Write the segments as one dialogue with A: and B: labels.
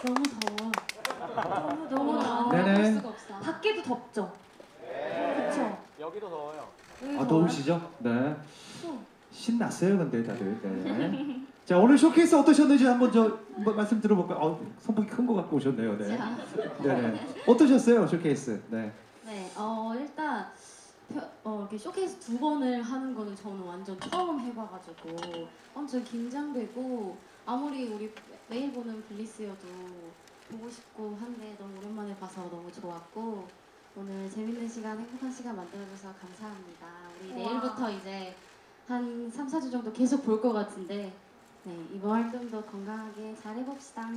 A: 너무 더워. 너무 더워.
B: 네네.
A: 수가 없어. 밖에도 덥죠. 그렇죠.
C: 여기도 더워요.
B: 아, 더우시죠? 네. 신났어요, 근데 다들. 네. 자, 오늘 쇼케이스 어떠셨는지 한번 말씀 들어볼까요? 선풍기 큰 거 갖고 오셨네요. 네. 네네. 어떠셨어요, 쇼케이스? 네.
A: 네, 일단 이렇게 쇼케이스 2번을 하는 거는 저는 완전 처음 해봐가지고 엄청 긴장되고 아무리 우리 매일 보는 블리스여도 보고 싶고 한데 너무 오랜만에 봐서 너무 좋았고 오늘 재밌는 시간, 행복한 시간 만들어줘서 감사합니다. 우리 내일부터 이제 한 3, 4주 정도 계속 볼 것 같은데 네, 이번 활동도 건강하게 잘 해봅시다.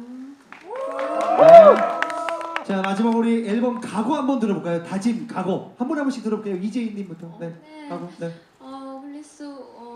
B: 네. 자, 마지막 우리 앨범 각오 한번 들어볼까요? 다짐, 각오. 한 번씩 들어볼게요. 이재희님부터. 네.
A: 네.
B: 각오. 네.
A: 블리스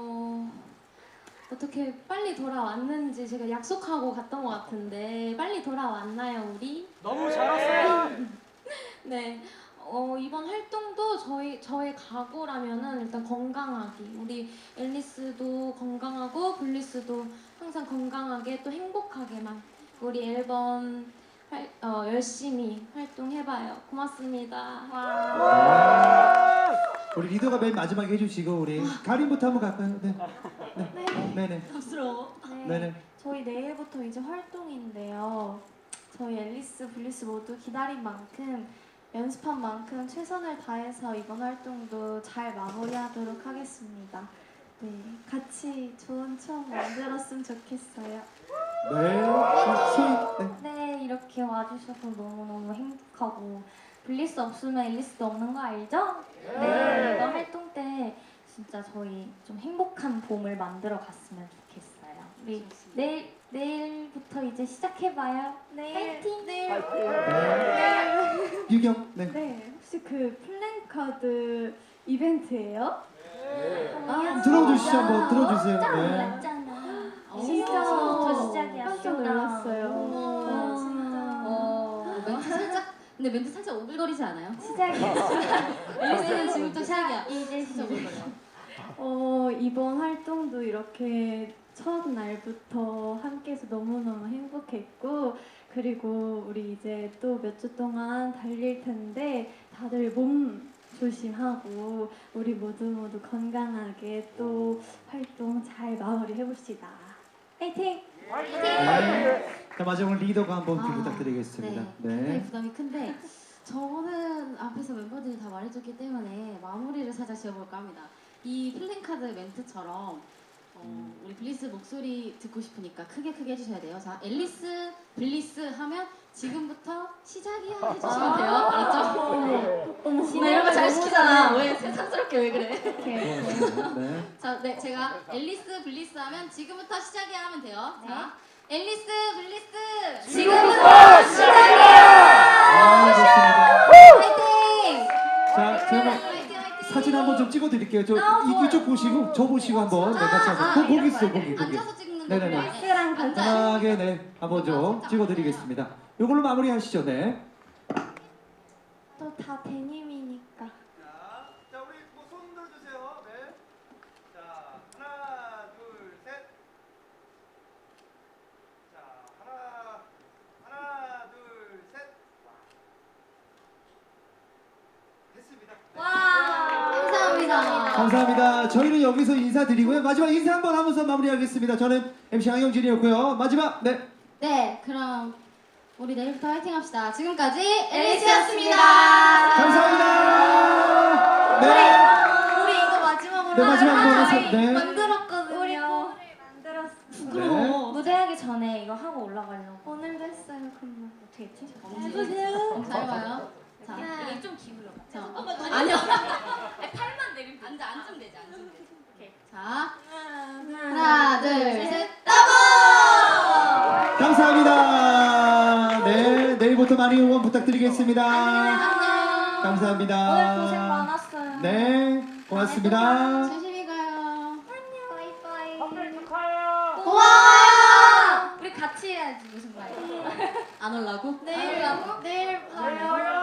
A: 어떻게 빨리 돌아왔는지 제가 약속하고 갔던 것 같은데 빨리 돌아왔나요 우리?
C: 너무 잘 왔어요.
A: 네. 이번 활동도 저의 각오라면은 일단 건강하기. 우리 앨리스도 건강하고 블리스도 항상 건강하게 또 행복하게만 우리 앨범 열심히 활동해봐요. 고맙습니다.
B: 우리 리더가 맨 마지막에 해주시고 우리 가림부터 한번 갈까요? 네. 네네.
A: 부끄러워.
B: 네네.
D: 저희 내일부터 이제 활동인데요. 저희 앨리스, 블리스 모두 기다린 만큼 연습한 만큼 최선을 다해서 이번 활동도 잘 마무리하도록 하겠습니다. 네, 같이 좋은 추억 만들었으면 좋겠어요.
B: 네.
D: 네, 이렇게 와주셔서 너무너무 행복하고 블리스 없으면 앨리스도 없는 거 알죠? 네, 이번 활동 때 진짜 저희 좀 행복한 봄을 만들어 갔으면 좋겠어요. 우리 내일부터 이제 시작해봐요. 파이팅!
B: 네. 유경. 네.
D: 네, 혹시 그 플랜카드 이벤트예요?
B: 들어주시죠. 한번 들어주세요.
D: 깜짝
B: 네.
D: 놀랐잖아.
A: 진짜
D: 진짜부터 시작이야.
A: 깜짝 놀랐어요.
D: 진짜.
A: 멘트 살짝 근데 멘트 살짝 오글거리지 않아요?
D: 시작이야.
A: 앨리스는 지금부터 시작이야.
D: 이제
A: 진짜
D: 시작.
A: 오글거려.
D: 이번 활동도 이렇게 첫 날부터 함께해서 너무너무 행복했고 그리고 우리 이제 또 몇 주 동안 달릴 텐데 다들 몸 조심하고 우리 모두 건강하게 또 활동 잘 마무리해봅시다. 파이팅!
B: 네. 자, 마지막 리더가 한번
A: 아,
B: 부탁드리겠습니다.
A: 굉장히 부담이 큰데 저는 앞에서 멤버들이 다 말해줬기 때문에 마무리를 살짝 지어볼까 합니다. 이 플랜카드 멘트처럼 우리 블리스 목소리 듣고 싶으니까 크게 해주셔야 돼요. 자, 앨리스, 블리스 하면 지금부터 시작이야 해주시면 돼요. 알았죠? 나 이런 거 잘 시키잖아. 왜 세상스럽게 왜 그래?
B: 네.
A: 자, 네, 제가 앨리스, 블리스 하면 지금부터 시작이야 하면 돼요. 자, 앨리스, 블리스 지금부터
B: 좋습니다.
A: 화이팅!
B: 자, 제가
A: 화이팅, 화이팅!
B: 사진 한번 좀 찍어드릴게요. 이쪽 보시고 저 보시고 한번 네, 같이 한번 거기 있어 거기.
A: 앉아서 찍는 거.
B: 네네네.
D: 앨리스랑 같이.
B: 편하게 네 한번 좀 찍어드리겠습니다. 이걸로 마무리하시죠. 네.
D: 또 다 데님이니까.
E: 자, 우리 손 들어주세요. 네. 자, 하나, 둘, 셋. 자, 하나, 둘, 셋. 됐습니다.
A: 감사합니다.
B: 감사합니다. 저희는 여기서 인사드리고요. 마지막 인사 한번 하면서 마무리하겠습니다. 저는 MC 양영진이었고요. 마지막 네.
A: 네, 그럼 우리 내일부터 화이팅 합시다. 지금까지 앨리스였습니다.
B: 감사합니다. 네.
D: 우리 이거 마지막으로
B: 네, 마지막 한번 해서 네.
D: 만들었거든요. 우리 만들었어.
B: 네.
D: 무대하기 전에 이거 하고 올라가려고. 오늘도 했어요. 그럼 어떻게 했지?
A: 해보세요. 잘 봐요. 자,
D: 이게
A: 좀 기울여. 자, 아니요. 팔만 내리면 앉으면 되지. 앉으면 되지. 오케이. 자, 하나, 둘, 셋.
B: 감사합니다. 네, 내일부터 많이 응원 부탁드리겠습니다.
A: 안녕.
B: 감사합니다.
D: 오늘 고생 많았어요.
B: 네, 고맙습니다.
A: 조심히 가요.
D: 바이바이.
C: 커플 축하해요.
D: 고마워요. 우리 같이 해야지 무슨 말이야?
A: 안 올라고?
D: 내일 봐요.